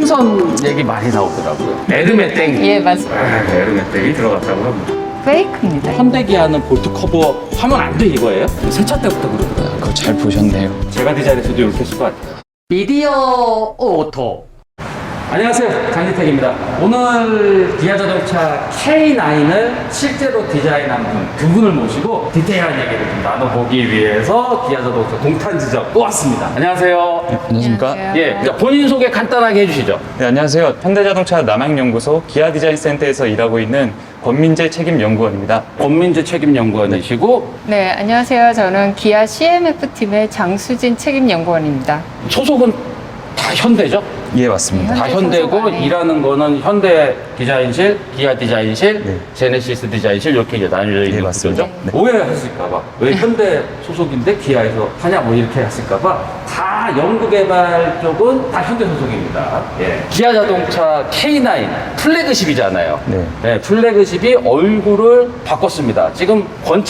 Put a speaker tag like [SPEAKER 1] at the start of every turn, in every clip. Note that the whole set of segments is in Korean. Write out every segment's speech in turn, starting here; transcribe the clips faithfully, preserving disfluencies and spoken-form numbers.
[SPEAKER 1] 생선 얘기 많이 나오더라고요. 에르메땡.
[SPEAKER 2] 예, 맞습니다.
[SPEAKER 1] 아, 에르메땡이 들어갔다고 합니다.
[SPEAKER 2] 페이크입니다.
[SPEAKER 1] 현대기아는 볼트 커버 하면 안 돼 이거예요? 세차 때부터 그러더라고요.
[SPEAKER 3] 그거 잘 보셨네요.
[SPEAKER 1] 제가 디자인해서도 이렇게 했을 것 같아요. 미디어 오토. 안녕하세요, 장지택입니다. 오늘 기아 자동차 케이 나인을 실제로 디자인한 분 두 분을 모시고 디테일한 얘기를 좀 나눠보기 위해서 기아 자동차 동탄 지점 또 왔습니다. 안녕하세요.
[SPEAKER 3] 네, 안녕하십니까?
[SPEAKER 2] 안녕하세요.
[SPEAKER 1] 예, 자, 본인 소개 간단하게 해주시죠.
[SPEAKER 3] 네, 안녕하세요. 현대자동차 남양연구소 기아디자인센터에서 일하고 있는 권민재 책임연구원입니다.
[SPEAKER 1] 권민재 책임연구원이시고
[SPEAKER 2] 네, 안녕하세요. 저는 기아 씨엠에프팀의 장수진 책임연구원입니다.
[SPEAKER 1] 소속은 다 현대죠?
[SPEAKER 3] 예, 맞습니다.
[SPEAKER 1] 다
[SPEAKER 2] 현대
[SPEAKER 1] 현대고
[SPEAKER 2] 소속 안에.
[SPEAKER 1] 일하는 거는 현대 디자인실, 기아 디자인실,
[SPEAKER 3] 네.
[SPEAKER 1] 제네시스 디자인실 이렇게 이제 나뉘어 있는
[SPEAKER 3] 네, 맞습니다.
[SPEAKER 1] 구조죠.
[SPEAKER 3] 네.
[SPEAKER 1] 오해하실까봐 왜 현대 소속인데 기아에서 하냐 뭐 이렇게 하실까봐 다 연구개발 쪽은 다 현대 소속입니다. 예. 기아 자동차 케이 나인 플래그십이잖아요.
[SPEAKER 3] 네.
[SPEAKER 1] 네, 플래그십이 얼굴을 바꿨습니다. 지금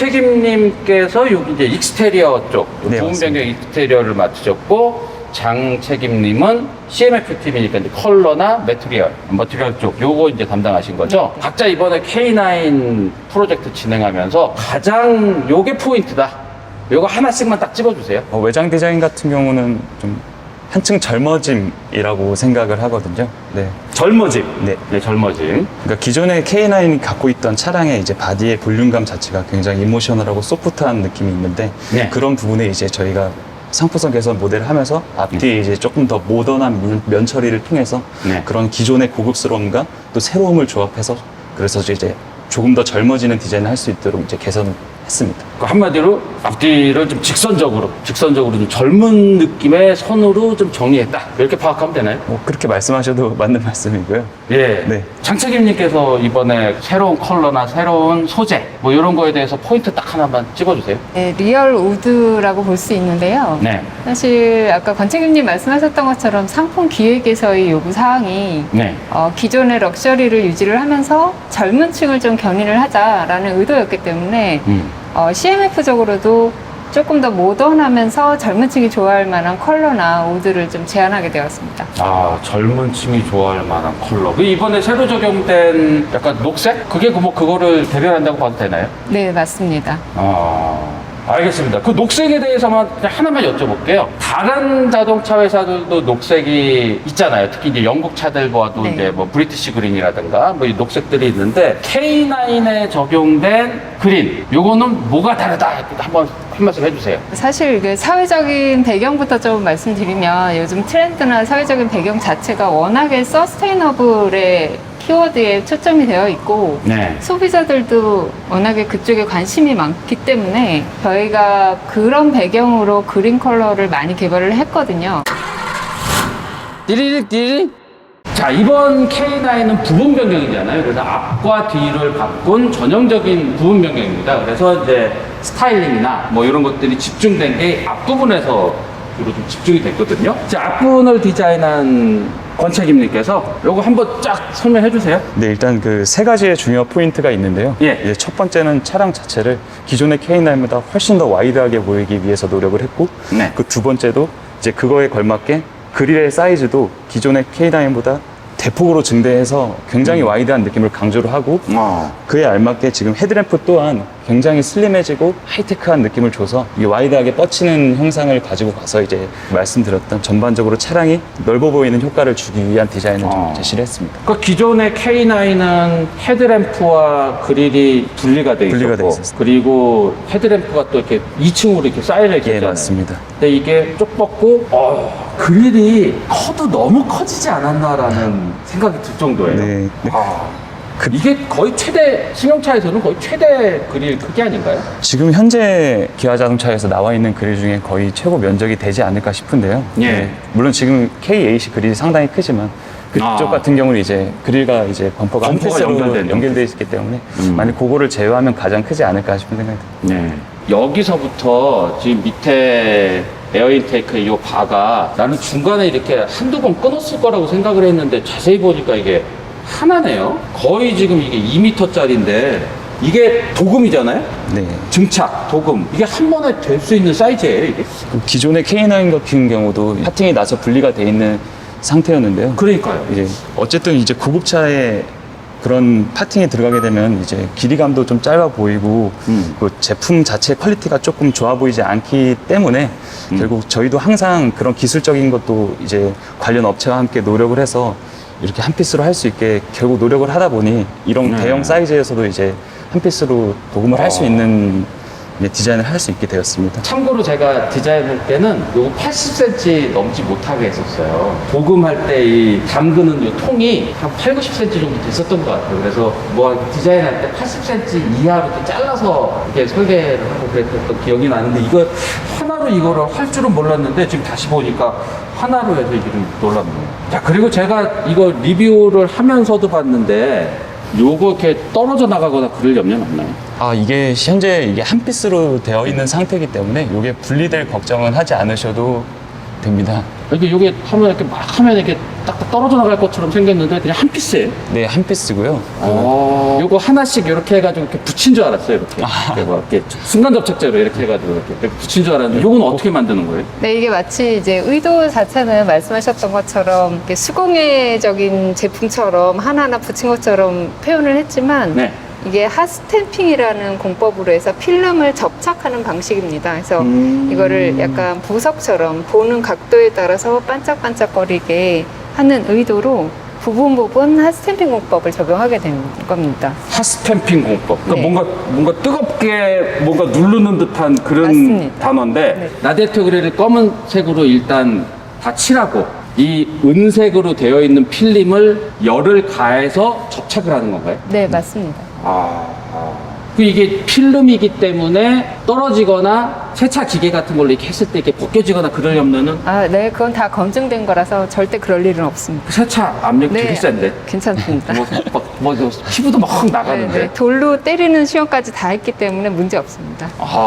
[SPEAKER 1] 권책임님께서 여기 이제 익스테리어 쪽
[SPEAKER 3] 네,
[SPEAKER 1] 부분
[SPEAKER 3] 맞습니다.
[SPEAKER 1] 변경 익스테리어를 맡으셨고 장 책임님은 씨엠에프 팀이니까 이제 컬러나 매트리얼, 머티리얼 쪽 요거 이제 담당하신 거죠. 각자 이번에 케이 나인 프로젝트 진행하면서 가장 요게 포인트다. 요거 하나씩만 딱 집어주세요.
[SPEAKER 3] 어, 외장 디자인 같은 경우는 좀 한층 젊어짐이라고 생각을 하거든요. 네.
[SPEAKER 1] 젊어짐.
[SPEAKER 3] 네.
[SPEAKER 1] 네, 젊어짐.
[SPEAKER 3] 그러니까 기존의 케이 나인이 갖고 있던 차량의 이제 바디의 볼륨감 자체가 굉장히 이모셔널하고 소프트한 느낌이 있는데
[SPEAKER 1] 네.
[SPEAKER 3] 그런 부분에 이제 저희가 상품성 개선 모델을 하면서 앞뒤에 이제 조금 더 모던한 면, 면 처리를 통해서
[SPEAKER 1] 네.
[SPEAKER 3] 그런 기존의 고급스러움과 또 새로움을 조합해서 그래서 이제 조금 더 젊어지는 디자인을 할 수 있도록 이제 개선했습니다.
[SPEAKER 1] 그 한마디로 앞뒤를 좀 직선적으로, 직선적으로 좀 젊은 느낌의 선으로 좀 정리했다. 이렇게 파악하면 되나요?
[SPEAKER 3] 뭐 그렇게 말씀하셔도 맞는 말씀이고요.
[SPEAKER 1] 예.
[SPEAKER 3] 네.
[SPEAKER 1] 장책임님께서 이번에 새로운 컬러나 새로운 소재 뭐 이런 거에 대해서 포인트 딱 하나만 찍어주세요.
[SPEAKER 2] 네, 리얼 우드라고 볼 수 있는데요.
[SPEAKER 1] 네.
[SPEAKER 2] 사실 아까 권책임님 말씀하셨던 것처럼 상품 기획에서의 요구 사항이
[SPEAKER 1] 네.
[SPEAKER 2] 어, 기존의 럭셔리를 유지를 하면서 젊은 층을 좀 견인을 하자라는 의도였기 때문에
[SPEAKER 1] 음.
[SPEAKER 2] 어, 씨엠에프적으로도 조금 더 모던하면서 젊은 층이 좋아할 만한 컬러나 우드를 좀 제안하게 되었습니다.
[SPEAKER 1] 아, 젊은 층이 좋아할 만한 컬러. 그 이번에 새로 적용된 약간 녹색? 그게 그 뭐 그거를 대변한다고 봐도 되나요?
[SPEAKER 2] 네, 맞습니다.
[SPEAKER 1] 아, 알겠습니다. 그 녹색에 대해서만 그냥 하나만 여쭤볼게요. 다른 자동차 회사들도 녹색이 있잖아요. 특히 이제 영국 차들 봐도
[SPEAKER 2] 네.
[SPEAKER 1] 이제 뭐 브리티시 그린이라든가 뭐 이 녹색들이 있는데 케이 나인에 적용된 그린, 요거는 뭐가 다르다? 한번 한 말씀 해주세요.
[SPEAKER 2] 사실 그 사회적인 배경부터 좀 말씀드리면 요즘 트렌드나 사회적인 배경 자체가 워낙에 서스테이너블의 키워드에 초점이 되어 있고
[SPEAKER 1] 네.
[SPEAKER 2] 소비자들도 워낙에 그쪽에 관심이 많기 때문에 저희가 그런 배경으로 그린 컬러를 많이 개발을 했거든요.
[SPEAKER 1] 띠리릭 띠리릭. 자, 이번 케이 나인은 부분 변경이잖아요. 그래서 앞과 뒤를 바꾼 전형적인 부분 변경입니다. 그래서 이제 스타일링이나 뭐 이런 것들이 집중된 게 앞부분에서 주로 좀 집중이 됐거든요. 자, 앞부분을 디자인한 권책임님께서 요거 한번 쫙 설명해 주세요.
[SPEAKER 3] 네, 일단 그 세 가지의 중요 포인트가 있는데요.
[SPEAKER 1] 예.
[SPEAKER 3] 이제 첫 번째는 차량 자체를 기존의 케이 나인보다 훨씬 더 와이드하게 보이기 위해서 노력을 했고,
[SPEAKER 1] 네.
[SPEAKER 3] 그 두 번째도 이제 그거에 걸맞게 그릴의 사이즈도 기존의 케이 나인보다 대폭으로 증대해서 굉장히 와이드한 느낌을 강조를 하고,
[SPEAKER 1] 어.
[SPEAKER 3] 그에 알맞게 지금 헤드램프 또한 굉장히 슬림해지고 하이테크한 느낌을 줘서 이 와이드하게 뻗치는 형상을 가지고 가서 이제 말씀드렸던 전반적으로 차량이 넓어 보이는 효과를 주기 위한 디자인을 좀
[SPEAKER 1] 어.
[SPEAKER 3] 제시를 했습니다.
[SPEAKER 1] 그 기존의 케이 나인은 헤드램프와 그릴이 분리가 돼
[SPEAKER 3] 분리가 돼
[SPEAKER 1] 있었고,
[SPEAKER 3] 있었어요.
[SPEAKER 1] 그리고 헤드램프가 또 이렇게 이 층으로 이렇게 쌓여져 있잖아요.
[SPEAKER 3] 예, 맞습니다.
[SPEAKER 1] 근데 이게 쪽 뻗고 어, 그릴이 커도 너무 커지지 않았나라는 생각이 들 정도예요.
[SPEAKER 3] 네. 네.
[SPEAKER 1] 아, 이게 거의 최대 승용차에서는 거의 최대 그릴 크기 아닌가요?
[SPEAKER 3] 지금 현재 기아 자동차에서 나와 있는 그릴 중에 거의 최고 면적이 되지 않을까 싶은데요.
[SPEAKER 1] 예.
[SPEAKER 3] 네. 물론 지금 케이 에이씨 그릴이 상당히 크지만 그쪽
[SPEAKER 1] 아.
[SPEAKER 3] 같은 경우는 이제 그릴과 이제 범퍼가 한
[SPEAKER 1] 범퍼가
[SPEAKER 3] 피스로
[SPEAKER 1] 연결된
[SPEAKER 3] 연결되어 있기 때문에
[SPEAKER 1] 음.
[SPEAKER 3] 만약 그거를 제외하면 가장 크지 않을까 싶은 생각이 듭니다.
[SPEAKER 1] 네. 여기서부터 지금 밑에 에어 인테이크 이 바가 나는 중간에 이렇게 한두 번 끊었을 거라고 생각을 했는데 자세히 보니까 이게 하나네요. 거의 지금 이게 이 미터짜리인데 이게 도금이잖아요.
[SPEAKER 3] 네.
[SPEAKER 1] 증착, 도금 이게 한 번에 될 수 있는 사이즈예요 이게?
[SPEAKER 3] 그 기존의 케이 나인 같은 경우도 파팅이 나서 분리가 돼 있는 상태였는데요.
[SPEAKER 1] 그러니까요.
[SPEAKER 3] 이제 어쨌든 이제 구급차에 그런 파팅이 들어가게 되면 이제 길이감도 좀 짧아 보이고
[SPEAKER 1] 음.
[SPEAKER 3] 그 제품 자체 퀄리티가 조금 좋아 보이지 않기 때문에
[SPEAKER 1] 음.
[SPEAKER 3] 결국 저희도 항상 그런 기술적인 것도 이제 관련 업체와 함께 노력을 해서 이렇게 한 피스로 할 수 있게 결국 노력을 하다 보니 이런
[SPEAKER 1] 네.
[SPEAKER 3] 대형 사이즈에서도 이제 한 피스로 도금을 할 수
[SPEAKER 1] 어.
[SPEAKER 3] 있는 이제 디자인을 할 수 있게 되었습니다.
[SPEAKER 1] 참고로 제가 디자인할 때는 요거 팔십 센티미터 넘지 못하게 했었어요. 도금할 때 이 담그는 요 통이 한 팔, 구십 센티미터 정도 됐었던 것 같아요. 그래서 뭐 디자인할 때 팔십 센티미터 이하로 이렇게 잘라서 이렇게 설계를 하고 그랬던 기억이 나는데 이거 하나로 이거를 할 줄은 몰랐는데 지금 다시 보니까 하나로 해서 이게 좀 놀랍네요. 자, 그리고 제가 이거 리뷰를 하면서도 봤는데 요거 이렇게 떨어져 나가거나 그럴 염려는 없나요?
[SPEAKER 3] 아, 이게 현재 이게 한 피스로 되어 있는 상태이기 때문에 이게 분리될 걱정은 하지 않으셔도 됩니다.
[SPEAKER 1] 이게 요게 하면 이렇게 막 하면 이렇게 딱 떨어져 나갈 것처럼 생겼는데 그냥 한 피스예요.
[SPEAKER 3] 네, 한 피스고요.
[SPEAKER 1] 어. 요거 하나씩 이렇게 해가지고 이렇게 붙인 줄 알았어요. 이렇게. 이렇게, 막 이렇게 순간 접착제로 이렇게 해가지고 이렇게 붙인 줄 알았는데 요건 어떻게 만드는 거예요?
[SPEAKER 2] 네, 이게 마치 이제 의도 자체는 말씀하셨던 것처럼 이렇게 수공예적인 제품처럼 하나하나 붙인 것처럼 표현을 했지만
[SPEAKER 1] 네.
[SPEAKER 2] 이게 핫스탬핑이라는 공법으로 해서 필름을 접착하는 방식입니다. 그래서
[SPEAKER 1] 음.
[SPEAKER 2] 이거를 약간 보석처럼 보는 각도에 따라서 반짝반짝거리게 하는 의도로 부분 부분 핫스탬핑 공법을 적용하게 된 겁니다.
[SPEAKER 1] 핫스탬핑 공법. 그러니까
[SPEAKER 2] 네.
[SPEAKER 1] 뭔가 뭔가 뜨겁게 뭔가 누르는 듯한 그런
[SPEAKER 2] 맞습니다.
[SPEAKER 1] 단어인데
[SPEAKER 2] 네.
[SPEAKER 1] 라데토그레를 검은색으로 일단 다 칠하고 이 은색으로 되어 있는 필름을 열을 가해서 접착을 하는 건가요?
[SPEAKER 2] 네, 맞습니다.
[SPEAKER 1] 아, 아. 그 이게 필름이기 때문에 떨어지거나 세차 기계 같은 걸로 이렇게 했을 때 이렇게 벗겨지거나 그럴 염려는
[SPEAKER 2] 아, 네, 그건 다 검증된 거라서 절대 그럴 일은 없습니다.
[SPEAKER 1] 세차 압력 되게 센데
[SPEAKER 2] 괜찮습니다.
[SPEAKER 1] 뭐, 뭐, 뭐, 뭐 피부도 막
[SPEAKER 2] 네,
[SPEAKER 1] 나가는데
[SPEAKER 2] 네, 돌로 때리는 시험까지 다 했기 때문에 문제 없습니다.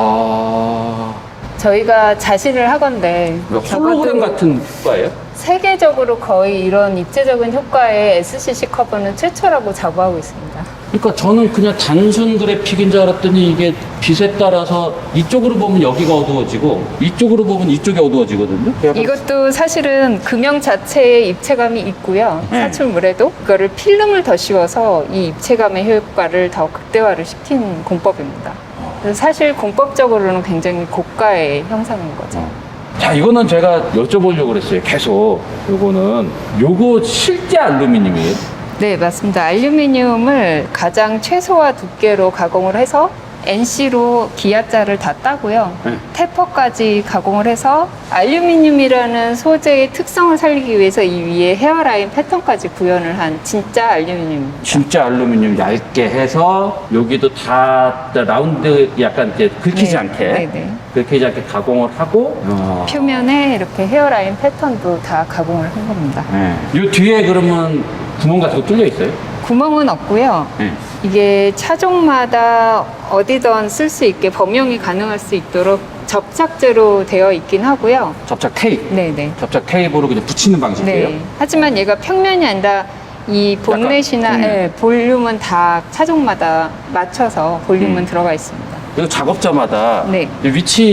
[SPEAKER 1] 아,
[SPEAKER 2] 저희가 자신을 하건데
[SPEAKER 1] 홀로그램
[SPEAKER 2] 적어도
[SPEAKER 1] 같은 효과예요?
[SPEAKER 2] 세계적으로 거의 이런 입체적인 효과의 에스씨씨 커버는 최초라고 자부하고 있습니다.
[SPEAKER 1] 그러니까 저는 그냥 단순 그래픽인 줄 알았더니 이게 빛에 따라서 이쪽으로 보면 여기가 어두워지고 이쪽으로 보면 이쪽이 어두워지거든요.
[SPEAKER 2] 이것도 사실은 금형 자체의 입체감이 있고요.
[SPEAKER 1] 네.
[SPEAKER 2] 사출물에도 그거를 필름을 더 씌워서 이 입체감의 효과를 더 극대화를 시킨 공법입니다. 그래서 사실 공법적으로는 굉장히 고가의 형상인 거죠.
[SPEAKER 1] 자, 이거는 제가 여쭤보려고 그랬어요. 계속. 요거는 요거 실제 알루미늄이에요?
[SPEAKER 2] 네, 맞습니다. 알루미늄을 가장 최소화 두께로 가공을 해서 엔씨로 기아자를 다 따고요.
[SPEAKER 1] 네.
[SPEAKER 2] 테퍼까지 가공을 해서 알루미늄이라는 소재의 특성을 살리기 위해서 이 위에 헤어라인 패턴까지 구현을 한 진짜 알루미늄입니다.
[SPEAKER 1] 진짜 알루미늄 얇게 해서 여기도 다 라운드 약간 이제 긁히지
[SPEAKER 2] 네,
[SPEAKER 1] 않게
[SPEAKER 2] 네, 네.
[SPEAKER 1] 긁히지 않게 가공을 하고 어.
[SPEAKER 2] 표면에 이렇게 헤어라인 패턴도 다 가공을 한 겁니다.
[SPEAKER 1] 네. 요 뒤에 그러면 구멍 같은 거 뚫려 있어요?
[SPEAKER 2] 구멍은 없고요.
[SPEAKER 1] 네.
[SPEAKER 2] 이게 차종마다 어디든 쓸 수 있게 범용이 가능할 수 있도록 접착제로 되어 있긴 하고요.
[SPEAKER 1] 접착 테이프.
[SPEAKER 2] 네네.
[SPEAKER 1] 접착 테이프로 그냥 붙이는 방식이에요?
[SPEAKER 2] 네. 하지만 얘가 평면이 아니라 이 본넷이나
[SPEAKER 1] 약간, 음.
[SPEAKER 2] 예, 볼륨은 다 차종마다 맞춰서 볼륨은
[SPEAKER 1] 음.
[SPEAKER 2] 들어가 있습니다.
[SPEAKER 1] 이거 작업자마다
[SPEAKER 2] 네.
[SPEAKER 1] 이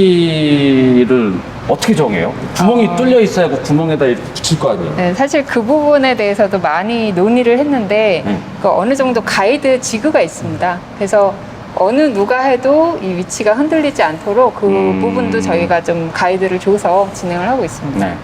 [SPEAKER 1] 위치를 어떻게 정해요? 구멍이
[SPEAKER 2] 어.
[SPEAKER 1] 뚫려 있어야 그 구멍에다 이렇게 붙일 거 아니에요?
[SPEAKER 2] 네, 사실 그 부분에 대해서도 많이 논의를 했는데
[SPEAKER 1] 네.
[SPEAKER 2] 그 어느 정도 가이드 지그가 있습니다. 그래서 어느 누가 해도 이 위치가 흔들리지 않도록 그
[SPEAKER 1] 음.
[SPEAKER 2] 부분도 저희가 좀 가이드를 줘서 진행을 하고 있습니다.
[SPEAKER 1] 네.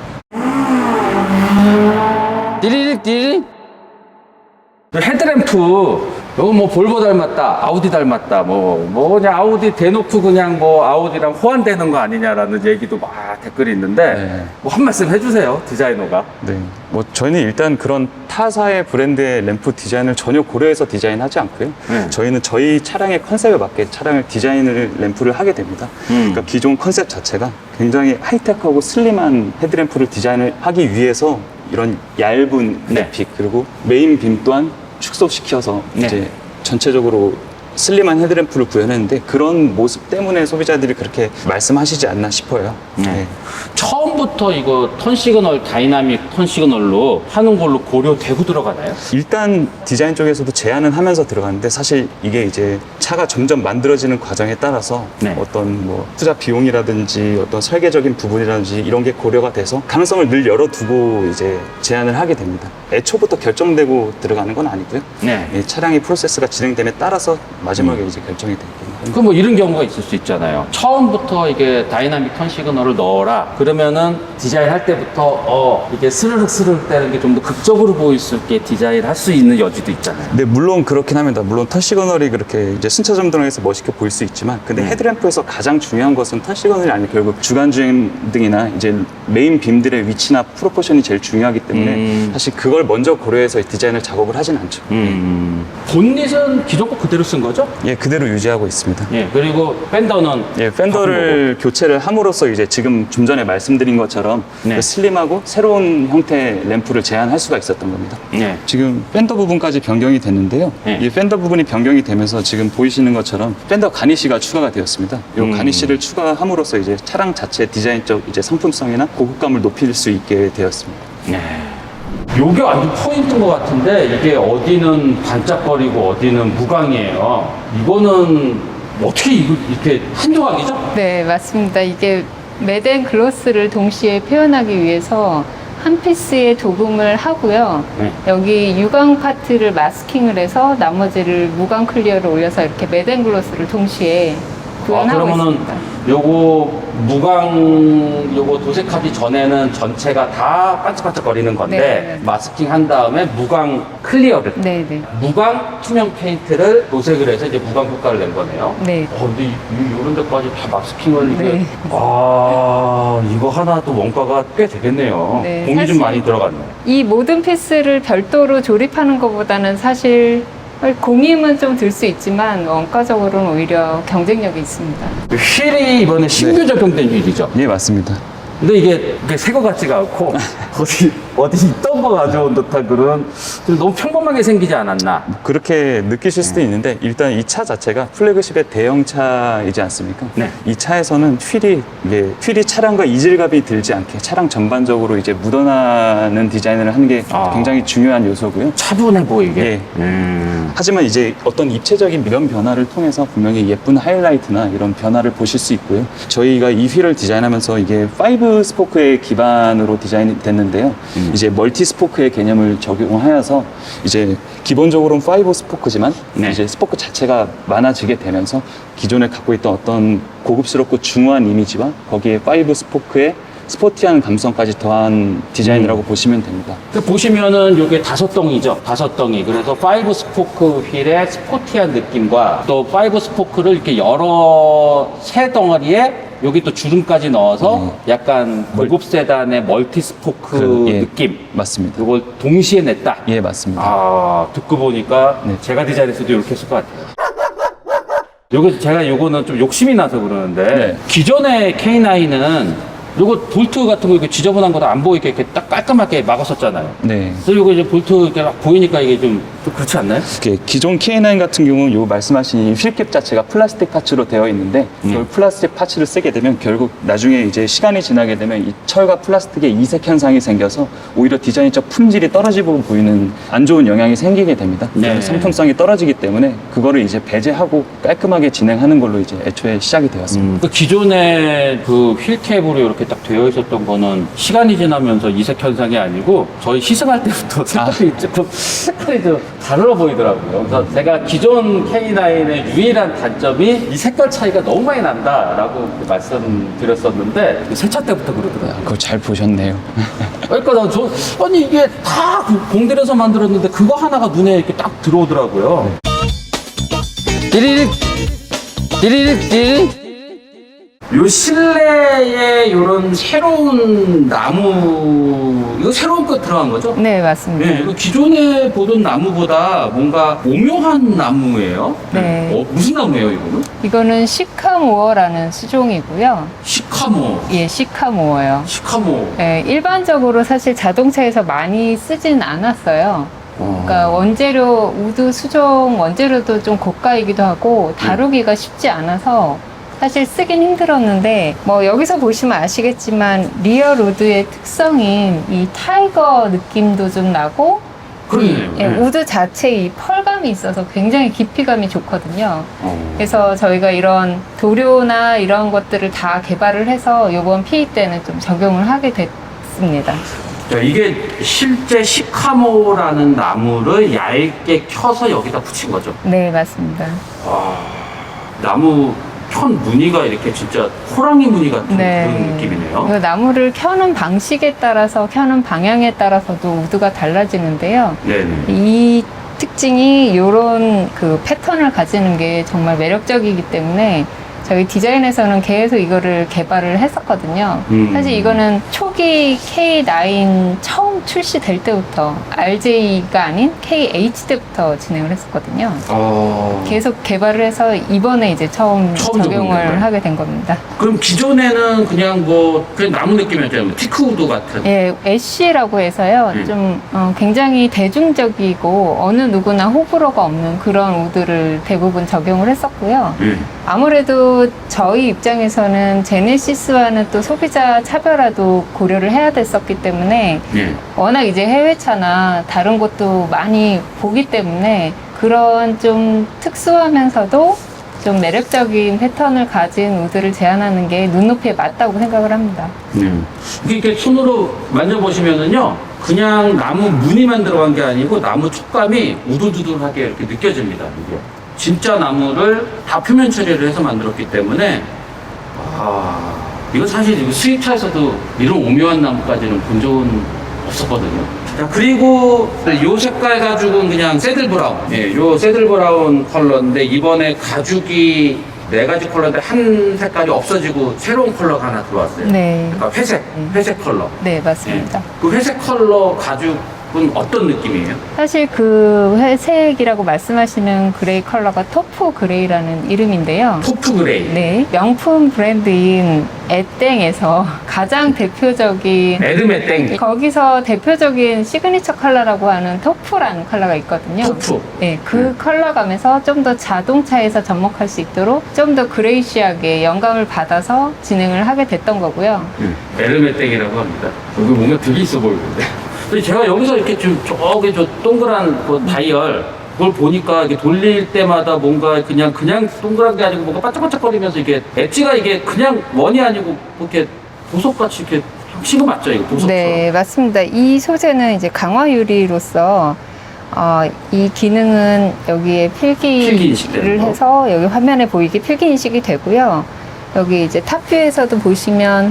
[SPEAKER 1] 띠리릭 띠리릭. 그 헤드램프 이거 뭐 볼보 닮았다, 아우디 닮았다, 뭐, 뭐 그냥 아우디 대놓고 그냥 뭐 아우디랑 호환되는 거 아니냐라는 얘기도 막 댓글이 있는데
[SPEAKER 3] 네.
[SPEAKER 1] 뭐 한 말씀 해주세요, 디자이너가.
[SPEAKER 3] 네. 뭐 저희는 일단 그런 타사의 브랜드의 램프 디자인을 전혀 고려해서 디자인하지 않고요.
[SPEAKER 1] 네.
[SPEAKER 3] 저희는 저희 차량의 컨셉에 맞게 차량을 디자인을 램프를 하게 됩니다.
[SPEAKER 1] 음.
[SPEAKER 3] 그러니까 기존 컨셉 자체가 굉장히 하이테크하고 슬림한 헤드램프를 디자인을 하기 위해서 이런 얇은
[SPEAKER 1] 네.
[SPEAKER 3] 그래픽 그리고 메인 빔 또한 축소시켜서
[SPEAKER 1] 네.
[SPEAKER 3] 이제 전체적으로 슬림한 헤드램프를 구현했는데 그런 모습 때문에 소비자들이 그렇게 말씀하시지 않나 싶어요.
[SPEAKER 1] 네.
[SPEAKER 3] 네.
[SPEAKER 1] 처음부터 처음부터 이거 턴 시그널, 다이나믹 턴 시그널로 하는 걸로 고려되고 들어가나요?
[SPEAKER 3] 일단 디자인 쪽에서도 제안은 하면서 들어갔는데 사실 이게 이제 차가 점점 만들어지는 과정에 따라서
[SPEAKER 1] 네.
[SPEAKER 3] 어떤 뭐 투자 비용이라든지 어떤 설계적인 부분이라든지 이런 게 고려가 돼서 가능성을 늘 열어두고 이제 제안을 하게 됩니다. 애초부터 결정되고 들어가는 건 아니고요.
[SPEAKER 1] 네.
[SPEAKER 3] 이 차량의 프로세스가 진행됨에 따라서 마지막에 이제 결정이 되겠네요.
[SPEAKER 1] 그 뭐 이런 경우가 있을 수 있잖아요. 처음부터 이게 다이나믹 턴 시그널을 넣어라. 그러면은 디자인 할 때부터 어 이게 스르륵 스르륵 되는 게 좀 더 극적으로 보일 수 있게 디자인 할 수 있는 여지도 있잖아요.
[SPEAKER 3] 네, 물론 그렇긴 합니다. 물론 턴 시그널이 그렇게 이제 순차 점등에서 멋있게 보일 수 있지만, 근데
[SPEAKER 1] 음.
[SPEAKER 3] 헤드램프에서 가장 중요한 것은 턴 시그널이 아니고 결국 주간 주행 등이나 이제 메인 빔들의 위치나 프로포션이 제일 중요하기 때문에
[SPEAKER 1] 음.
[SPEAKER 3] 사실 그걸 먼저 고려해서 디자인을 작업을 하진 않죠.
[SPEAKER 1] 음. 본닛은 기존 거 그대로 쓴 거죠?
[SPEAKER 3] 예, 그대로 유지하고 있습니다.
[SPEAKER 1] 예. 그리고 펜더는
[SPEAKER 3] 예, 펜더를 교체를 함으로써 이제 지금 좀 전에 말씀드린 것처럼
[SPEAKER 1] 네.
[SPEAKER 3] 그 슬림하고 새로운 형태의 램프를 제안할 수가 있었던 겁니다.
[SPEAKER 1] 네.
[SPEAKER 3] 지금 펜더 부분까지 변경이 됐는데요.
[SPEAKER 1] 네.
[SPEAKER 3] 이 펜더 부분이 변경이 되면서 지금 보이시는 것처럼 펜더 가니쉬가 추가가 되었습니다. 이
[SPEAKER 1] 음.
[SPEAKER 3] 가니쉬를 추가함으로써 이제 차량 자체 디자인적 이제 상품성이나 고급감을 높일 수 있게 되었습니다.
[SPEAKER 1] 네. 요게 완전 포인트인 것 같은데 이게 어디는 반짝거리고 어디는 무광이에요. 이거는 어떻게 이거 이렇게 한 조각이죠?
[SPEAKER 2] 네, 맞습니다. 이게 매드 앤 글로스를 동시에 표현하기 위해서 한 피스의 도금을 하고요.
[SPEAKER 1] 네.
[SPEAKER 2] 여기 유광 파트를 마스킹을 해서 나머지를 무광 클리어를 올려서 이렇게 매드 앤 글로스를 동시에
[SPEAKER 1] 아,
[SPEAKER 2] 구현하고
[SPEAKER 1] 그러면은
[SPEAKER 2] 있습니다.
[SPEAKER 1] 요거 무광 요거 도색하기 전에는 전체가 다 반짝반짝거리는 건데
[SPEAKER 2] 네, 네.
[SPEAKER 1] 마스킹 한 다음에 무광 클리어를
[SPEAKER 2] 네, 네.
[SPEAKER 1] 무광 투명 페인트를 도색을 해서 이제 무광 효과를 낸 거네요.
[SPEAKER 2] 네.
[SPEAKER 1] 어, 근데 이, 이, 이런 데까지 다 마스킹을 이게
[SPEAKER 2] 네.
[SPEAKER 1] 아 이거 하나 또 원가가 꽤 되겠네요.
[SPEAKER 2] 네,
[SPEAKER 1] 돈이 좀
[SPEAKER 2] 사실-
[SPEAKER 1] 많이 들어갔네.
[SPEAKER 2] 이 모든 피스를 별도로 조립하는 것보다는 사실 공임은 좀 들 수 있지만 원가적으로는 오히려 경쟁력이 있습니다.
[SPEAKER 1] 휠이 이번에 신규
[SPEAKER 3] 네.
[SPEAKER 1] 적용된 휠이죠.
[SPEAKER 3] 예, 맞습니다.
[SPEAKER 1] 근데 이게, 이게 새 거 같지가 않고 어디 어디 있던 거 가져온 듯한 그런 좀 너무 평범하게 생기지 않았나.
[SPEAKER 3] 그렇게 느끼실 수도 있는데 일단 이 차 자체가 플래그십의 대형차이지 않습니까?
[SPEAKER 1] 네.
[SPEAKER 3] 이 차에서는 휠이 이게 휠이 차량과 이질감이 들지 않게 차량 전반적으로 이제 묻어나는 디자인을 하는 게
[SPEAKER 1] 아.
[SPEAKER 3] 굉장히 중요한 요소고요.
[SPEAKER 1] 차분해 보이게.
[SPEAKER 3] 예.
[SPEAKER 1] 음.
[SPEAKER 3] 하지만 이제 어떤 입체적인 면 변화를 통해서 분명히 예쁜 하이라이트나 이런 변화를 보실 수 있고요. 저희가 이 휠을 디자인하면서 이게 파이브 스포크의 기반으로 디자인이 됐는데요.
[SPEAKER 1] 음.
[SPEAKER 3] 이제 멀티 스포크의 개념을 적용하여서 이제 기본적으로는 파이브 스포크지만
[SPEAKER 1] 네.
[SPEAKER 3] 이제 스포크 자체가 많아지게 되면서 기존에 갖고 있던 어떤 고급스럽고 중후한 이미지와 거기에 파이브 스포크의 스포티한 감성까지 더한 디자인이라고
[SPEAKER 1] 음.
[SPEAKER 3] 보시면 됩니다.
[SPEAKER 1] 그 보시면은 요게 다섯 덩이죠. 다섯 덩이. 그래서 파이브 스포크 휠의 스포티한 느낌과 또 파이브 스포크를 이렇게 여러 세 덩어리에 여기 또 주름까지 넣어서 약간 고급 세단의 멀티 스포크
[SPEAKER 3] 그, 예.
[SPEAKER 1] 느낌.
[SPEAKER 3] 맞습니다.
[SPEAKER 1] 요걸 동시에 냈다.
[SPEAKER 3] 예, 맞습니다.
[SPEAKER 1] 아, 듣고 보니까
[SPEAKER 3] 네.
[SPEAKER 1] 제가 디자인했어도 이렇게 했을 것 같아요. 요거 제가 요거는 좀 욕심이 나서 그러는데
[SPEAKER 3] 네.
[SPEAKER 1] 기존의 케이 나인은 요거 볼트 같은 거 이렇게 지저분한 거 안 보이게 이렇게 딱 깔끔하게 막았었잖아요.
[SPEAKER 3] 네.
[SPEAKER 1] 그래서 요거 이제 볼트 이렇게 막 보이니까 이게 좀, 좀 그렇지 않나요?
[SPEAKER 3] 이렇게 기존 케이 나인 같은 경우는 요 말씀하신 이 휠캡 자체가 플라스틱 파츠로 되어 있는데
[SPEAKER 1] 음.
[SPEAKER 3] 이걸 플라스틱 파츠를 쓰게 되면 결국 나중에 이제 시간이 지나게 되면 이 철과 플라스틱의 이색 현상이 생겨서 오히려 디자인적 품질이 떨어지고 보이는 안 좋은 영향이 생기게 됩니다.
[SPEAKER 1] 네.
[SPEAKER 3] 그래서 상품성이 떨어지기 때문에 그거를 이제 배제하고 깔끔하게 진행하는 걸로 이제 애초에 시작이 되었습니다.
[SPEAKER 1] 음. 그 기존에 그 휠캡으로 이렇게 딱 되어 있었던 거는 시간이 지나면서 이색 현상이 아니고 저희 시승할 때부터 색깔이 조금 색깔이 좀 다르어 보이더라고요. 그래서 제가 기존 케이 나인의 유일한 단점이 이 색깔 차이가 너무 많이 난다라고 말씀드렸었는데 새 차 때부터 그러더라고요.
[SPEAKER 3] 그거 잘 보셨네요.
[SPEAKER 1] 그러니까 나 저 아니 이게 다 공들여서 만들었는데 그거 하나가 눈에 이렇게 딱 들어오더라고요. 띠리릭 띠리릭 띠리릭. 요 실내에 요런 새로운 나무 이거 새로운 거 들어간 거죠?
[SPEAKER 2] 네, 맞습니다.
[SPEAKER 1] 네, 이거 기존에 보던 나무보다 뭔가 오묘한 나무예요.
[SPEAKER 2] 네.
[SPEAKER 1] 어, 무슨 나무예요, 이거는?
[SPEAKER 2] 이거는 시카모어라는 수종이고요.
[SPEAKER 1] 시카모.
[SPEAKER 2] 예, 시카모어요.
[SPEAKER 1] 시카모.
[SPEAKER 2] 예, 일반적으로 사실 자동차에서 많이 쓰진 않았어요. 그러니까 원재료, 우드 수종 원재료도 좀 고가이기도 하고 다루기가 쉽지 않아서 사실 쓰긴 힘들었는데 뭐 여기서 보시면 아시겠지만 리어 로드의 특성인 이 타이거 느낌도 좀 나고
[SPEAKER 1] 그러네요.
[SPEAKER 2] 이, 예,
[SPEAKER 1] 네.
[SPEAKER 2] 우드 자체에 이 펄감이 있어서 굉장히 깊이감이 좋거든요.
[SPEAKER 1] 어.
[SPEAKER 2] 그래서 저희가 이런 도료나 이런 것들을 다 개발을 해서 이번 피이 때는 좀 적용을 하게 됐습니다.
[SPEAKER 1] 자, 이게 실제 시카모라는 나무를 얇게 켜서 여기다 붙인 거죠.
[SPEAKER 2] 네, 맞습니다.
[SPEAKER 1] 와, 나무 편 무늬가 이렇게 진짜 호랑이 무늬 같은 그런 느낌이네요.
[SPEAKER 2] 이 나무를 켜는 방식에 따라서 켜는 방향에 따라서도 우드가 달라지는데요.
[SPEAKER 1] 네네.
[SPEAKER 2] 이 특징이 이런 그 패턴을 가지는 게 정말 매력적이기 때문에 저희 디자인에서는 계속 이거를 개발을 했었거든요.
[SPEAKER 1] 음.
[SPEAKER 2] 사실 이거는 초기 케이 나인 처음 출시될 때부터 알제이가 아닌 케이에이치 때부터 진행을 했었거든요.
[SPEAKER 1] 어...
[SPEAKER 2] 계속 개발을 해서 이번에 이제 처음,
[SPEAKER 1] 처음 적용된
[SPEAKER 2] 적용을
[SPEAKER 1] 거예요?
[SPEAKER 2] 하게 된 겁니다.
[SPEAKER 1] 그럼 기존에는 그냥 뭐 그냥 나무 느낌이었잖아요. 뭐 티크우드 같은.
[SPEAKER 2] 예, 애쉬라고 해서요.
[SPEAKER 1] 음.
[SPEAKER 2] 좀 어, 굉장히 대중적이고 어느 누구나 호불호가 없는 그런 우드를 대부분 적용을 했었고요.
[SPEAKER 1] 예.
[SPEAKER 2] 아무래도 저희 입장에서는 제네시스와는 또 소비자 차별화도 고려를 해야 됐었기 때문에
[SPEAKER 1] 예.
[SPEAKER 2] 워낙 이제 해외차나 다른 곳도 많이 보기 때문에 그런 좀 특수하면서도 좀 매력적인 패턴을 가진 우드를 제안하는 게 눈높이에 맞다고 생각을 합니다.
[SPEAKER 1] 네. 이게 이렇게 손으로 만져보시면은요, 그냥 나무 무늬만 들어간 게 아니고 나무 촉감이 우두두두하게 이렇게 느껴집니다. 이게 진짜 나무를 다 표면 처리를 해서 만들었기 때문에 아, 이거 사실 이거 수입차에서도 이런 오묘한 나무까지는 본 적은 없었거든요. 자, 그리고 요 색깔 가죽은 그냥 새들 브라운. 예, 요 새들 브라운 컬러인데 이번에 가죽이 네 가지 컬러인데 한 색깔이 없어지고 새로운 컬러가 하나 들어왔어요.
[SPEAKER 2] 네.
[SPEAKER 1] 그러니까 회색, 회색 컬러.
[SPEAKER 2] 네, 맞습니다.
[SPEAKER 1] 예. 그 회색 컬러 가죽은 어떤 느낌이에요?
[SPEAKER 2] 사실 그 회색이라고 말씀하시는 그레이 컬러가 토프 그레이라는 이름인데요.
[SPEAKER 1] 토프 그레이.
[SPEAKER 2] 네, 명품 브랜드인 에땡에서 가장 대표적인
[SPEAKER 1] 에르메 땡.
[SPEAKER 2] 거기서 대표적인 시그니처 컬러라고 하는 토프라는 컬러가 있거든요.
[SPEAKER 1] 토프.
[SPEAKER 2] 네, 그
[SPEAKER 1] 네.
[SPEAKER 2] 컬러감에서 좀 더 자동차에서 접목할 수 있도록 좀 더 그레이시하게 영감을 받아서 진행을 하게 됐던 거고요.
[SPEAKER 1] 예, 에르메 땡이라고 합니다. 여기 뭔가 되게 있어 보이는데. 근데 제가 여기서 이렇게 좀 저기 저 동그란 그 다이얼 그걸 보니까 이게 돌릴 때마다 뭔가 그냥 그냥 동그란 게 아니고 뭔가 반짝반짝거리면서 이게 엣지가 이게 그냥 원이 아니고 이렇게 보석같이 이렇게 형식은 맞죠? 이거 보석처럼.
[SPEAKER 2] 네, 맞습니다. 이 소재는 이제 강화 유리로서 어, 이 기능은 여기에
[SPEAKER 1] 필기
[SPEAKER 2] 필기를
[SPEAKER 1] 인식되는 거.
[SPEAKER 2] 해서 여기 화면에 보이게 필기 인식이 되고요. 여기 이제 탑뷰에서도 보시면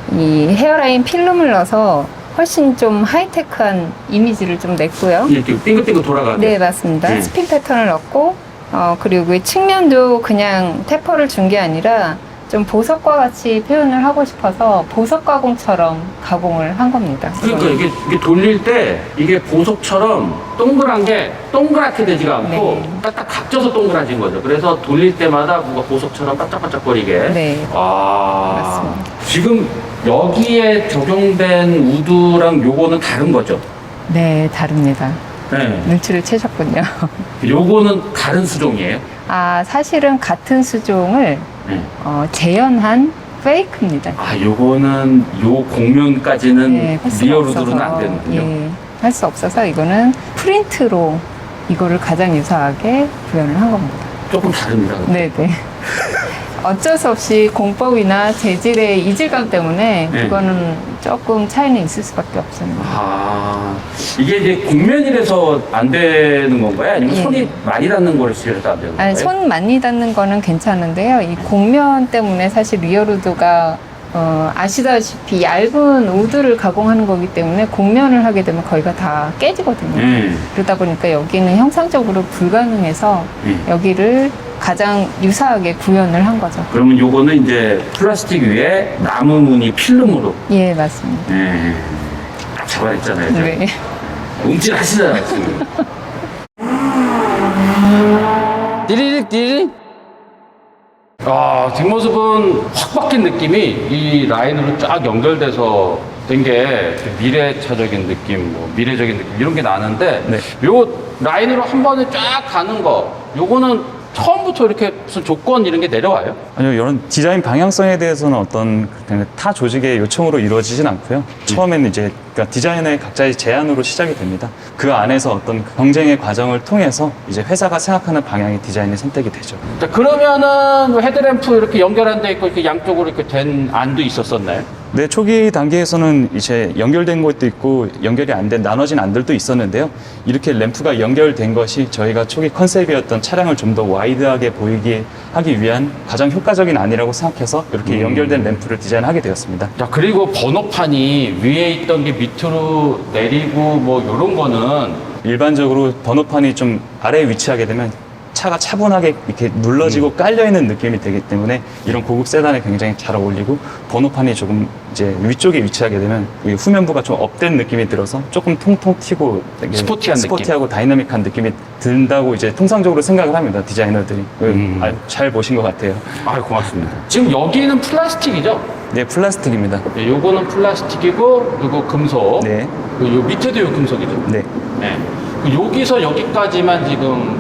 [SPEAKER 2] 이 헤어라인 필름을 넣어서 훨씬 좀 하이테크한 이미지를 좀 냈고요.
[SPEAKER 1] 이렇게 빙글빙글 돌아가게.
[SPEAKER 2] 네, 맞습니다.
[SPEAKER 1] 네.
[SPEAKER 2] 스핀 패턴을 넣고, 어, 그리고 이 측면도 그냥 테퍼를 준 게 아니라 좀 보석과 같이 표현을 하고 싶어서 보석 가공처럼 가공을 한 겁니다.
[SPEAKER 1] 그러니까 이게, 이게 돌릴 때 이게 보석처럼 동그란 게 동그랗게 되지가 않고
[SPEAKER 2] 네.
[SPEAKER 1] 딱딱 각져서 동그라진 거죠. 그래서 돌릴 때마다 뭔가 보석처럼 반짝반짝거리게.
[SPEAKER 2] 네.
[SPEAKER 1] 아,
[SPEAKER 2] 맞습니다.
[SPEAKER 1] 지금 여기에 적용된 우드랑 요거는 다른 거죠?
[SPEAKER 2] 네, 다릅니다.
[SPEAKER 1] 네.
[SPEAKER 2] 눈치를 채셨군요.
[SPEAKER 1] 요거는 다른 수종이에요?
[SPEAKER 2] 아, 사실은 같은 수종을
[SPEAKER 1] 네.
[SPEAKER 2] 어, 재현한 페이크입니다.
[SPEAKER 1] 아, 요거는 요 공면까지는
[SPEAKER 2] 네, 할 수가
[SPEAKER 1] 리얼 우드로는
[SPEAKER 2] 없어서,
[SPEAKER 1] 안 되는군요.
[SPEAKER 2] 예, 할 수 없어서 이거는 프린트로 이거를 가장 유사하게 구현을 한 겁니다.
[SPEAKER 1] 조금 다릅니다.
[SPEAKER 2] 네, 네. 어쩔 수 없이 공법이나 재질의 이질감 때문에
[SPEAKER 1] 네.
[SPEAKER 2] 그거는 조금 차이는 있을 수밖에 없습니다.
[SPEAKER 1] 아, 이게 이제 곡면이라서 안 되는 건가요? 아니면
[SPEAKER 2] 예.
[SPEAKER 1] 손이 많이 닿는 거를 싫어서 안 되는 건가요?
[SPEAKER 2] 아니, 손 많이 닿는 거는 괜찮은데요. 이 곡면 때문에 사실 리얼우드가 어, 아시다시피 얇은 우드를 가공하는 거기 때문에 곡면을 하게 되면 거의가 다 깨지거든요.
[SPEAKER 1] 네.
[SPEAKER 2] 그러다 보니까 여기는 형상적으로 불가능해서
[SPEAKER 1] 네.
[SPEAKER 2] 여기를 가장 유사하게 구현을 한 거죠.
[SPEAKER 1] 그러면 요거는 이제 플라스틱 위에 나무 무늬 필름으로.
[SPEAKER 2] 예, 맞습니다.
[SPEAKER 1] 네. 딱 잡아냈잖아요.
[SPEAKER 2] 네.
[SPEAKER 1] 움찔 하시잖아요, 지금. 디리릭, 디리릭. 아, 뒷모습은 확 바뀐 느낌이 이 라인으로 쫙 연결돼서 된 게 미래차적인 느낌, 뭐 미래적인 느낌 이런 게 나는데
[SPEAKER 3] 네.
[SPEAKER 1] 요 라인으로 한 번에 쫙 가는 거 요거는 처음부터 이렇게 무슨 조건 이런 게 내려와요?
[SPEAKER 3] 아니요, 이런 디자인 방향성에 대해서는 어떤 그냥 타 조직의 요청으로 이루어지진 않고요. 처음에는 이제 그러니까 디자인의 각자의 제안으로 시작이 됩니다. 그 안에서 어떤 경쟁의 과정을 통해서 이제 회사가 생각하는 방향의 디자인이 선택이 되죠.
[SPEAKER 1] 자, 그러면은 헤드램프 이렇게 연결한 데 있고 이렇게 양쪽으로 이렇게 된 안도 있었었나요?
[SPEAKER 3] 네, 초기 단계에서는 이제 연결된 것도 있고 연결이 안 된 나눠진 안들도 있었는데요. 이렇게 램프가 연결된 것이 저희가 초기 컨셉이었던 차량을 좀 더 와이드하게 보이게 하기 위한 가장 효과적인 안이라고 생각해서 이렇게
[SPEAKER 1] 음.
[SPEAKER 3] 연결된 램프를 디자인하게 되었습니다.
[SPEAKER 1] 자, 그리고 번호판이 위에 있던 게 밑으로 내리고 뭐 이런 거는
[SPEAKER 3] 일반적으로 번호판이 좀 아래에 위치하게 되면 차가 차분하게 이렇게 눌러지고
[SPEAKER 1] 음.
[SPEAKER 3] 깔려있는 느낌이 되기 때문에 이런 고급 세단에 굉장히 잘 어울리고 번호판이 조금 이제 위쪽에 위치하게 되면 이 후면부가 좀 업된 느낌이 들어서 조금 통통 튀고 되게
[SPEAKER 1] 스포티한 느낌.
[SPEAKER 3] 스포티하고 다이나믹한 느낌이 든다고 이제 통상적으로 생각을 합니다. 디자이너들이.
[SPEAKER 1] 음.
[SPEAKER 3] 아, 잘 보신 것 같아요.
[SPEAKER 1] 아, 고맙습니다. 지금 여기는 플라스틱이죠?
[SPEAKER 3] 네, 플라스틱입니다.
[SPEAKER 1] 네, 요거는 플라스틱이고 요거 금속.
[SPEAKER 3] 네.
[SPEAKER 1] 그 요 밑에도 요 금속이죠.
[SPEAKER 3] 네.
[SPEAKER 1] 네. 그 여기서 여기까지만 지금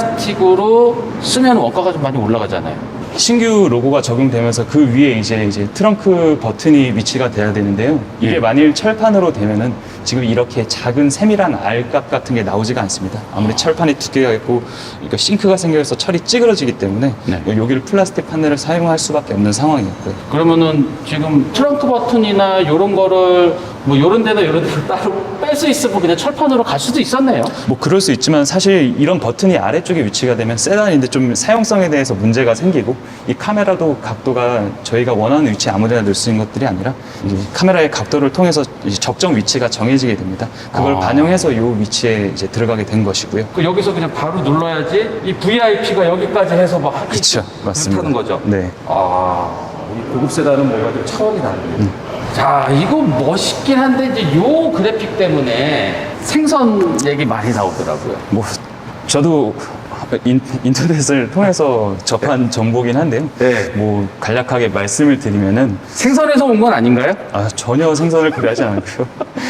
[SPEAKER 1] 플라스틱으로 쓰면 원가가 좀 많이 올라가잖아요.
[SPEAKER 3] 신규 로고가 적용되면서 그 위에 이제 이제 트렁크 버튼이 위치가 돼야 되는데요. 이게
[SPEAKER 1] 예.
[SPEAKER 3] 만일 철판으로 되면은 지금 이렇게 작은 세밀한 알값 같은 게 나오지가 않습니다. 아무리 철판이 두께가 있고 그러니까 싱크가 생겨서 철이 찌그러지기 때문에
[SPEAKER 1] 네.
[SPEAKER 3] 여기를 플라스틱 판넬을 사용할 수밖에 없는 상황이었고요.
[SPEAKER 1] 그러면은 지금 트렁크 버튼이나 요런 거를 뭐 요런 데나 요런 데를 따로 뺄 수 있으면 그냥 철판으로 갈 수도 있었네요.
[SPEAKER 3] 뭐 그럴 수 있지만 사실 이런 버튼이 아래쪽에 위치가 되면 세단인데 좀 사용성에 대해서 문제가 생기고 이 카메라도 각도가 저희가 원하는 위치에 아무데나 넣을 수 있는 것들이 아니라 이 카메라의 각도를 통해서 이제 적정 위치가 정해지게 됩니다. 그걸
[SPEAKER 1] 아.
[SPEAKER 3] 반영해서 이 위치에 이제 들어가게 된 것이고요.
[SPEAKER 1] 그 여기서 그냥 바로 눌러야지 이 브이아이피가 여기까지 해서 막 하기
[SPEAKER 3] 그렇죠, 맞습니다.
[SPEAKER 1] 하는 거죠.
[SPEAKER 3] 네.
[SPEAKER 1] 아, 이 고급 세단은 뭔가 좀 차원이 다르네요. 자, 이거 멋있긴 한데 이제 요 그래픽 때문에 생선 얘기 많이 나오더라고요.
[SPEAKER 3] 뭐 저도 인, 인터넷을 통해서 접한 정보긴 한데요.
[SPEAKER 1] 네.
[SPEAKER 3] 뭐 간략하게 말씀을 드리면은
[SPEAKER 1] 생선에서 온 건 아닌가요?
[SPEAKER 3] 아, 전혀 생선을 고려하지 않고요.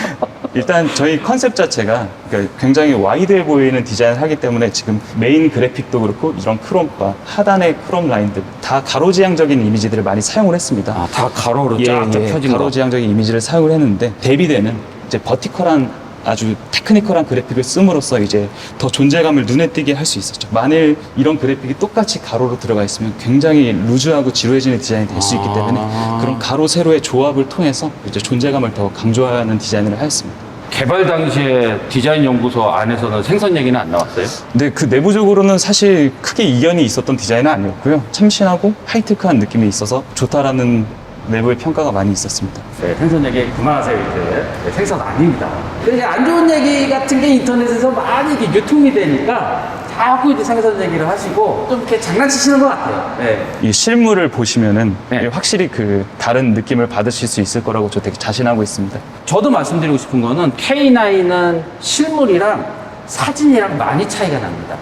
[SPEAKER 3] 일단 저희 컨셉 자체가 그러니까 굉장히 와이드해 보이는 디자인을 하기 때문에 지금 메인 그래픽도 그렇고 이런 크롬바, 하단의 크롬 라인들 다 가로지향적인 이미지들을 많이 사용을 했습니다.
[SPEAKER 1] 아, 다 가로로
[SPEAKER 3] 예,
[SPEAKER 1] 쫙쫙
[SPEAKER 3] 예,
[SPEAKER 1] 펴진 거.
[SPEAKER 3] 가로지향적인 이미지를 사용을 했는데 대비되는 이제 버티컬한 아주 테크니컬한 그래픽을 씀으로써 이제 더 존재감을 눈에 띄게 할 수 있었죠. 만일 이런 그래픽이 똑같이 가로로 들어가 있으면 굉장히 루즈하고 지루해지는 디자인이 될 수 있기 때문에
[SPEAKER 1] 아.
[SPEAKER 3] 그런 가로 세로의 조합을 통해서 이제 존재감을 더 강조하는 디자인을 하였습니다.
[SPEAKER 1] 개발 당시에 디자인 연구소 안에서는 생선 얘기는 안 나왔어요?
[SPEAKER 3] 근데 그 내부적으로는 사실 크게 이견이 있었던 디자인은 아니었고요. 참신하고 하이테크한 느낌이 있어서 좋다라는 내부의 평가가 많이 있었습니다.
[SPEAKER 1] 네, 생선 얘기 그만하세요, 이제. 네, 생선 아닙니다. 근데 이제 안 좋은 얘기 같은 게 인터넷에서 많이 이렇게 유통이 되니까 자꾸 이제 생선 얘기를 하시고 좀 이렇게 장난치시는 것 같아요. 네.
[SPEAKER 3] 이 실물을 보시면은
[SPEAKER 1] 네.
[SPEAKER 3] 확실히 그 다른 느낌을 받으실 수 있을 거라고 저 되게 자신하고 있습니다.
[SPEAKER 1] 저도 말씀드리고 싶은 거는 케이 나인은 실물이랑 사진이랑 많이 차이가 납니다.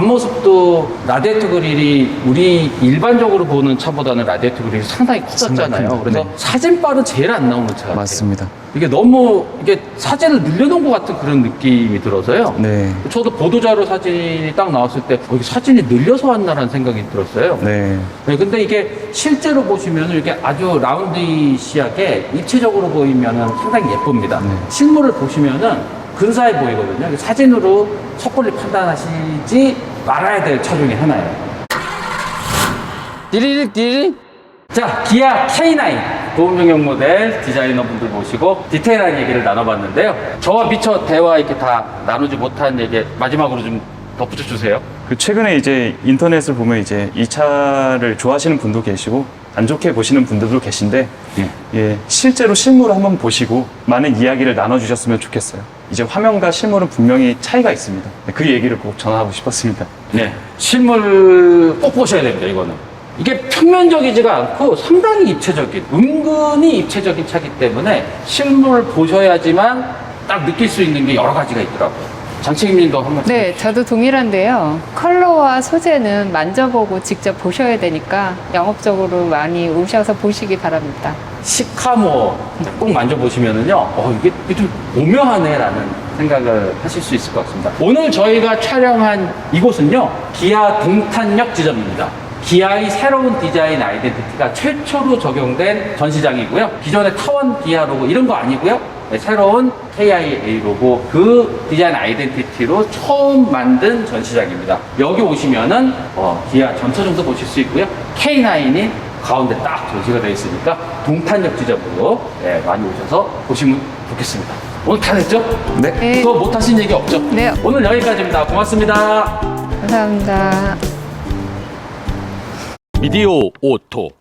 [SPEAKER 1] 앞모습도 라디에이터 그릴이 우리 일반적으로 보는 차보다는 라디에이터 그릴이 상당히 커졌잖아요.
[SPEAKER 3] 상당히
[SPEAKER 1] 그래서
[SPEAKER 3] 네.
[SPEAKER 1] 사진빨은 제일 안 나오는 차 같아요.
[SPEAKER 3] 맞습니다.
[SPEAKER 1] 이게 너무 이게 사진을 늘려놓은 것 같은 그런 느낌이 들어서요.
[SPEAKER 3] 네.
[SPEAKER 1] 저도 보도자료 사진이 딱 나왔을 때 어, 이게 사진이 늘려서 왔나라는 생각이 들었어요.
[SPEAKER 3] 네.
[SPEAKER 1] 네, 근데 이게 실제로 보시면 이렇게 아주 라운드시하게 입체적으로 보이면 상당히 예쁩니다.
[SPEAKER 3] 네.
[SPEAKER 1] 실물을 보시면은 근사해 보이거든요. 사진으로 섣불리 판단하시지 말아야 될 차 중에 하나예요. 디리릭 디리릭. 자, 기아 케이 나인 보험병역 모델 디자이너분들 모시고 디테일한 얘기를 나눠봤는데요. 저와 미처 대화 이렇게 다 나누지 못한 얘기 마지막으로 좀 덧붙여 주세요.
[SPEAKER 3] 그 최근에 이제 인터넷을 보면 이제 이 차를 좋아하시는 분도 계시고 안 좋게 보시는 분들도 계신데
[SPEAKER 1] 예.
[SPEAKER 3] 예, 실제로 실물을 한번 보시고 많은 이야기를 나눠주셨으면 좋겠어요. 이제 화면과 실물은 분명히 차이가 있습니다. 그 얘기를 꼭 전하고 싶었습니다.
[SPEAKER 1] 네, 실물 꼭 보셔야 됩니다. 이거는 이게 평면적이지가 않고 상당히 입체적인, 은근히 입체적인 차기 때문에 실물 보셔야지만 딱 느낄 수 있는 게 여러 가지가 있더라고요. 장채김님도 한번.
[SPEAKER 2] 네, 저도 동일한데요. 컬러와 소재는 만져보고 직접 보셔야 되니까 영업적으로 많이 오셔서 보시기 바랍니다.
[SPEAKER 1] 시카모 꼭 만져보시면은요, 어, 이게, 이게 좀 오묘하네라는 생각을 하실 수 있을 것 같습니다. 오늘 저희가 촬영한 이곳은요, 기아 동탄역 지점입니다. 기아의 새로운 디자인 아이덴티티가 최초로 적용된 전시장이고요. 기존의 타원 기아 로고 이런 거 아니고요. 네, 새로운 케이아이에이 로고 그 디자인 아이덴티티로 처음 만든 전시장입니다. 여기 오시면은 어, 기아 전차종도 보실 수 있고요. 케이나인이 가운데 딱 전시가 되어 있으니까 동탄역 지점으로 네, 많이 오셔서 보시면 좋겠습니다. 오늘 다 됐죠?
[SPEAKER 3] 네.
[SPEAKER 2] 네.
[SPEAKER 1] 또 못하신 얘기 없죠?
[SPEAKER 2] 네.
[SPEAKER 1] 오늘 여기까지입니다. 고맙습니다.
[SPEAKER 2] 감사합니다.
[SPEAKER 4] 미디어 오토